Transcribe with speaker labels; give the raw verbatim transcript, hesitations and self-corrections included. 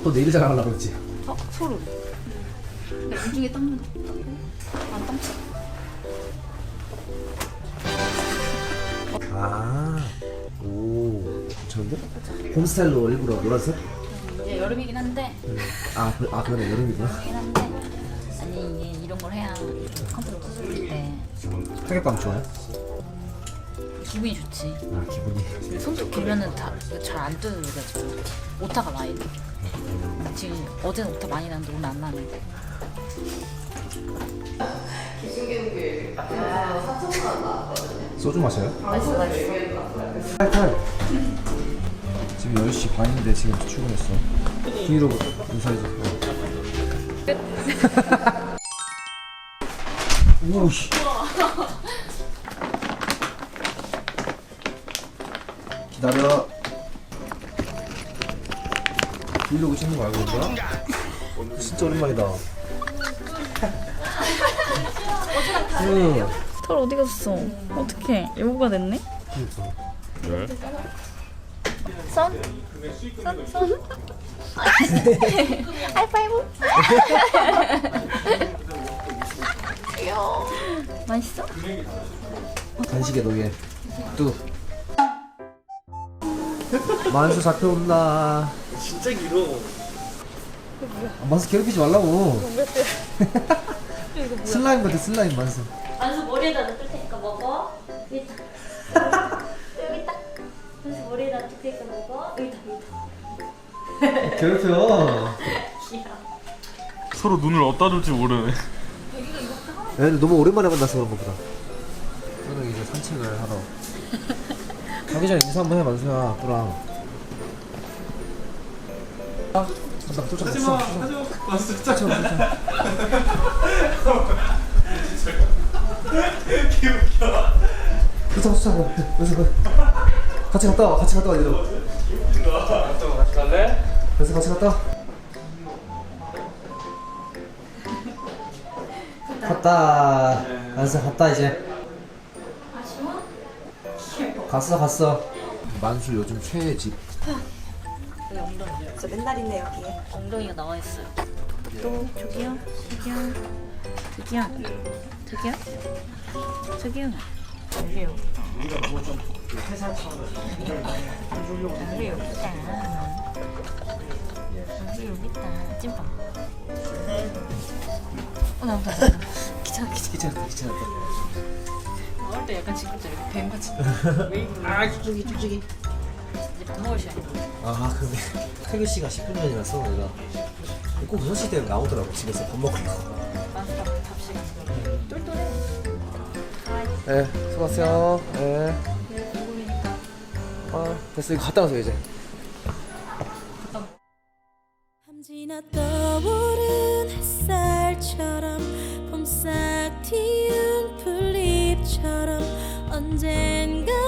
Speaker 1: 또 내일 자랑하려고 그랬지.
Speaker 2: 어? 소름. 근데 공중에 땀 안 땀치?
Speaker 1: 아, 오, 괜찮은데? 홈스타일로 일부러 노란색?
Speaker 2: 이제 여름이긴 한데
Speaker 1: 음. 아, 그, 아 그러네, 여름이구나.
Speaker 2: 여름이긴 한데 아니 이제 이런 걸 해야 컨트롤 부술 때
Speaker 1: 타격감 좋아요?
Speaker 2: 기분이 좋지.
Speaker 1: 아, 기분이.
Speaker 2: 손톱 길면은 잘 안 뜯어져가지고 오타가 많이 나. 지금 어제는 오타 많이 났는데 오늘 안 나는데.
Speaker 1: 소주 마셔요?
Speaker 2: 맛있어 맛있어.
Speaker 1: 탈탈. 지금 열 시 반인데 지금 출근했어. 뒤로 인사해줘. 오씨. 기다려. 브이로그 찍는 거 알고 있는 거야? 진짜 오랜만이다. 응.
Speaker 2: 털 어디 갔어? 어떡해 여보가 됐네?
Speaker 1: 그러니까.
Speaker 2: 선? 선? 선? 하이파이브? 귀여워. 맛있어?
Speaker 1: 간식의 노예. 뚜. 만수 잡혀온다.
Speaker 3: 진짜 길어.
Speaker 1: 아, 만수 괴롭히지 말라고. 슬라임 같아, 슬라임 만수.
Speaker 4: 만수 머리에다 넣을 테니까 먹어. 여기 딱. 여기 딱. 만수 머리에다 넣을 테니까 먹어. 여기 딱, 여기 딱.
Speaker 1: 괴롭혀.
Speaker 4: 귀여워.
Speaker 3: 서로 눈을 어디다 둘지 모르네.
Speaker 1: 얘들 너무 오랜만에 만나서 그런 거보다. 저는 이제 산책을 하러. 가기 전에 인사 한번 해, 만수야, 또랑. 아, 나 쫓아갔어.
Speaker 3: 하지마. 맞어. 진짜
Speaker 1: 쫓아가,
Speaker 3: 개웃겨.
Speaker 1: 쫓아가, 쫓아가. 그래서 같이 갔다 와, 같이 갔다 와, 얘들.
Speaker 3: 같이 갈래?
Speaker 1: 그래서 같이 갔다 와. 갔다. 만수 갔다, 이제.
Speaker 4: 아쉬워?
Speaker 1: 갔어, 갔어. 만수 요즘 최애 집.
Speaker 5: 저 맨날 있네 여기에.
Speaker 2: 엉덩이가 나와 있어요. 또 저기요, 저기요, 저기요, 저기요, 저기요. 저기요. 여기 여기 있다. 여기 여기 있다. 찐빵. 어 나온다 나온다. 귀찮아 귀찮아.
Speaker 1: 귀찮았다, 귀찮았다.
Speaker 2: 나올 때 약간 지금 이렇게 뱀같이 웨이브.
Speaker 3: 아 저기 저기.
Speaker 2: 이제 밥 먹을 시간.
Speaker 1: 아, 근데 태규 씨가 십 분 전이라서 내가 꼭 여섯 시 되면 나오더라고, 집에서 밥 먹으려고.
Speaker 2: 밥, 밥 시간. 똘똘해.
Speaker 1: 네, 수고하세요. 네. 아, 됐어. 이거 갔다 와서 이제.
Speaker 6: 함지나 떠오른 햇살처럼 봄싹 튀운 풀잎처럼 언젠가